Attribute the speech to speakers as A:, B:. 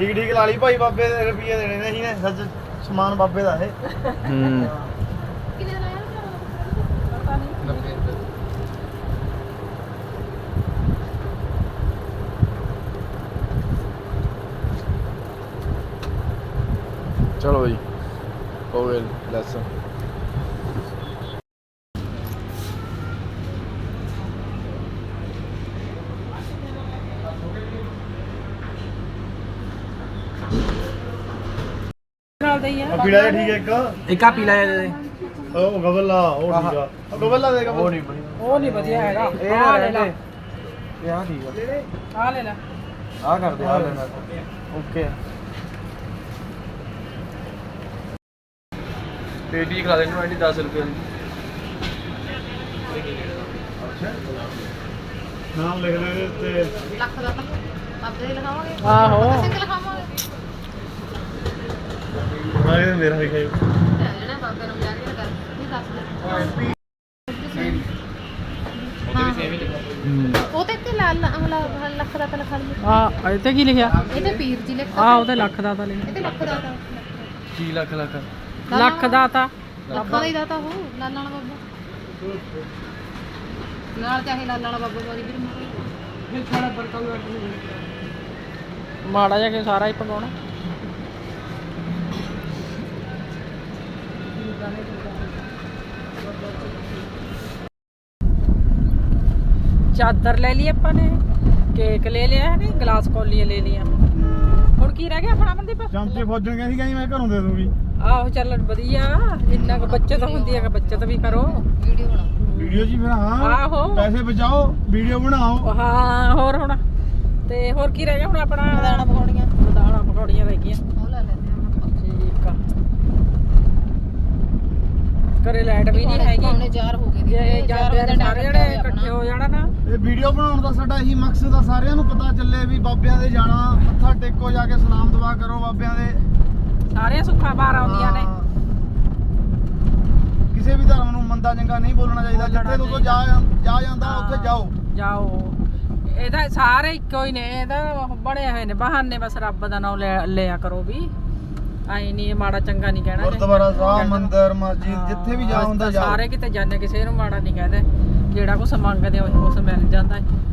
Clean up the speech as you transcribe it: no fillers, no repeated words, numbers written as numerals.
A: ਠੀਕ ਠੀਕ ਲਾ ਲਈ ਭਾਈ ਬਾਬੇ ਦੇ ਰੁਪਏ ਦੇਣੇ ਨੇ ਅਸੀਂ ਨੇ ਸੱਚ ਸਮਾਨ ਬਾਬੇ ਦਾ ਇਹ
B: ਕਿੰਨੇ ਦਾ ਲਾਇਆ ਪਤਾ ਨਹੀਂ
C: ਚਲੋ ਜੀ ਹੋ ਗਏ ਲੈਸਨ
B: ਨਾਲ ਦਾ ਹੀ ਆ
A: ਪੀੜਾ ਜਿਹਾ ਠੀਕ ਹੈ
C: ਇੱਕ ਆ ਪੀਲਾ ਜਿਹਾ ਦੇ
A: ਉਹ ਗਵਲਾ ਉਹ ਠੀਕ ਆ ਗਵਲਾ ਦੇ
C: ਉਹ ਨਹੀਂ
B: ਉਹ ਨਹੀਂ ਵਧੀਆ ਹੈਗਾ
C: ਇਹ
B: ਆਹ ਲੈ ਲੈ
C: ਇਹ ਆ ਠੀਕ ਆ
B: ਆ ਲੈ ਲੈ
C: ਆ ਕਰਦੇ ਆ ਲੈਣਾ ਓਕੇ ਪੇਟੀ ਖਾ ਦੇਣੀ ਆਂਟੀ 10 ਰੁਪਏ ਦੀ
A: ਨਾਮ ਲਿਖ ਲੈ ਤੇ
B: ਲੱਖ ਦਾ ਤਾਂ ਬਾਬੇ ਦੇ ਲਿਖਾਵਾਂਗੇ
A: ਆਹੋ
B: ਸਿੰਘ ਲਿਖਾਵਾਂਗੇ
A: ਮੈਂ ਮੇਰਾ ਲਿਖਿਆ
B: ਜਿਹੜਾ ਬਾਬੇ ਨੂੰ ਜਾ ਕੇ ਕਰ ਇਹ ਦੱਸ ਦੇ ਉਹ ਤੇ ਲਾਲ ਲੱਖ ਦਾ ਤਾਂ ਲਿਖਾ ਲਈ
D: ਆ ਇੱਥੇ ਕੀ ਲਿਖਿਆ
B: ਇਹ ਤੇ ਪੀਰ ਜੀ ਲਿਖਾ
D: ਆ ਉਹਦੇ ਲੱਖ ਦਾ ਤਾਂ ਲਿਖਿਆ
B: ਇਹ ਤੇ ਲੱਖ ਦਾ ਤਾਂ
C: ਕੀ ਲੱਖ
D: ਲੱਖ ਦਾ ਤਾਂ
B: ਲੱਖਾਂ ਦਾ ਹੀ ਦਾਤਾ ਉਹ ਲਾਲ ਵਾਲਾ ਬਾਬਾ ਨਾਲ ਚਾਹੇ ਲਾਲ ਵਾਲਾ ਬਾਬਾ ਵਾਲੀ ਵੀ
D: ਮਾੜਾ ਜਿਹਾ ਕਿ ਸਾਰਾ ਹੀ ਪਕਾਉਣਾ ਚਾਦਰ ਲੈ ਲਈ ਆਪਾਂ ਨੇ ਕੇਕ ਲੈ ਲਿਆ ਨੇ ਗਲਾਸ ਕੌਲੀਆਂ ਲੈ ਲਈਆਂ ਹੁਣ ਕੀ ਰਹਿ ਗਿਆ ਆਪਣਾ ਮਨਦੀਪ
A: ਚਮਚੇ ਫੌਜਣ ਕਹਿੰਦੀ ਕਹਿੰਦੀ ਮੈਂ ਘਰੋਂ ਦੇ ਦੂੰਗੀ
D: ਆਹੋ ਚੱਲ ਵਧੀਆ ਇੰਨਾ ਕੁ ਬੱਚਤ ਹੁੰਦੀ ਹੈ ਕਿ ਬੱਚਤ ਵੀ ਕਰੋ
B: ਵੀਡੀਓ ਬਣਾ
A: ਵੀਡੀਓ ਜੀ ਫਿਰ ਹਾਂ
D: ਆਹੋ
A: ਪੈਸੇ ਬਚਾਓ ਵੀਡੀਓ ਬਣਾਓ
D: ਹਾਂ ਹੋਰ ਹੁਣ ਤੇ ਹੋਰ ਕੀ ਰਹਿ ਗਿਆ ਹੁਣ ਆਪਣਾ
B: ਦਾਣਾ ਪਕੌੜੀਆਂ
D: ਦਾਣਾ ਪਕੌੜੀਆਂ ਰਹਿ ਗਈਆਂ
B: ਉਹ ਲੈ ਲੈਂਦੇ ਹਾਂ
D: ਠੀਕ ਆ ਘਰੇ ਲਾਈਟ ਵੀ ਨਹੀਂ ਹੈਗੀ
B: ਪੌਣੇ 4 ਹੋ ਗਏ
D: ਜੇ ਜਾਂਦੇ ਨੇ ਸਾਰੇ ਜਣੇ ਇਕੱਠੇ ਹੋ ਜਾਣਾ ਨਾ
A: ਇਹ ਵੀਡੀਓ ਬਣਾਉਣ ਦਾ ਸਾਡਾ ਇਹੀ ਮਕਸਦ ਆ ਸਾਰਿਆਂ ਨੂੰ ਪਤਾ ਚੱਲੇ ਵੀ ਬਾਬਿਆਂ ਦੇ ਜਾਣਾ ਮੱਥਾ ਟੇਕੋ ਜਾ ਕੇ ਸਲਾਮ ਦੁਆ ਕਰੋ ਬਾਬਿਆਂ ਦੇ
D: ਸਾਰੇ ਸੁੱਖਾਂ ਬਾਹਰ ਆਉਂਦੀਆਂ ਨੇ
A: ਕਿਸੇ ਵੀ ਧਰਮ ਨੂੰ ਮੰਦਾ ਚੰਗਾ ਨਹੀਂ ਬੋਲਣਾ ਚਾਹੀਦਾ ਜਿੱਥੇ ਤੋਂ ਜਾ ਜਾਂਦਾ ਉੱਥੇ ਜਾਓ
D: ਜਾਓ ਇਹਦਾ ਸਾਰੇ ਇੱਕੋ ਹੀ ਨੇ ਇਹਦਾ ਬਣੇ ਹੋਏ ਨੇ ਬਹਾਨੇ ਬਸ ਰੱਬ ਦਾ ਨਾਮ ਲਿਆ ਕਰੋ ਵੀ ਆਈ ਨਹੀਂ ਮਾੜਾ ਚੰਗਾ ਨਹੀਂ ਕਹਿਣਾ
A: ਗੁਰਦੁਆਰਾ ਸਾਹਿਬ ਮੰਦਿਰ ਮਸਜਿਦ ਜਿੱਥੇ ਵੀ ਜਾ ਹੁੰਦਾ ਜਾਓ
D: ਸਾਰੇ ਕਿਤੇ ਜਾਂਦੇ ਕਿਸੇ ਨੂੰ ਮਾੜਾ ਨਹੀਂ ਕਹਿੰਦੇ ਜਿਹੜਾ ਕੁਛ ਮੰਗਦੇ ਉਹ ਕੁਛ ਮਿਲ ਜਾਂਦਾ ਹੈ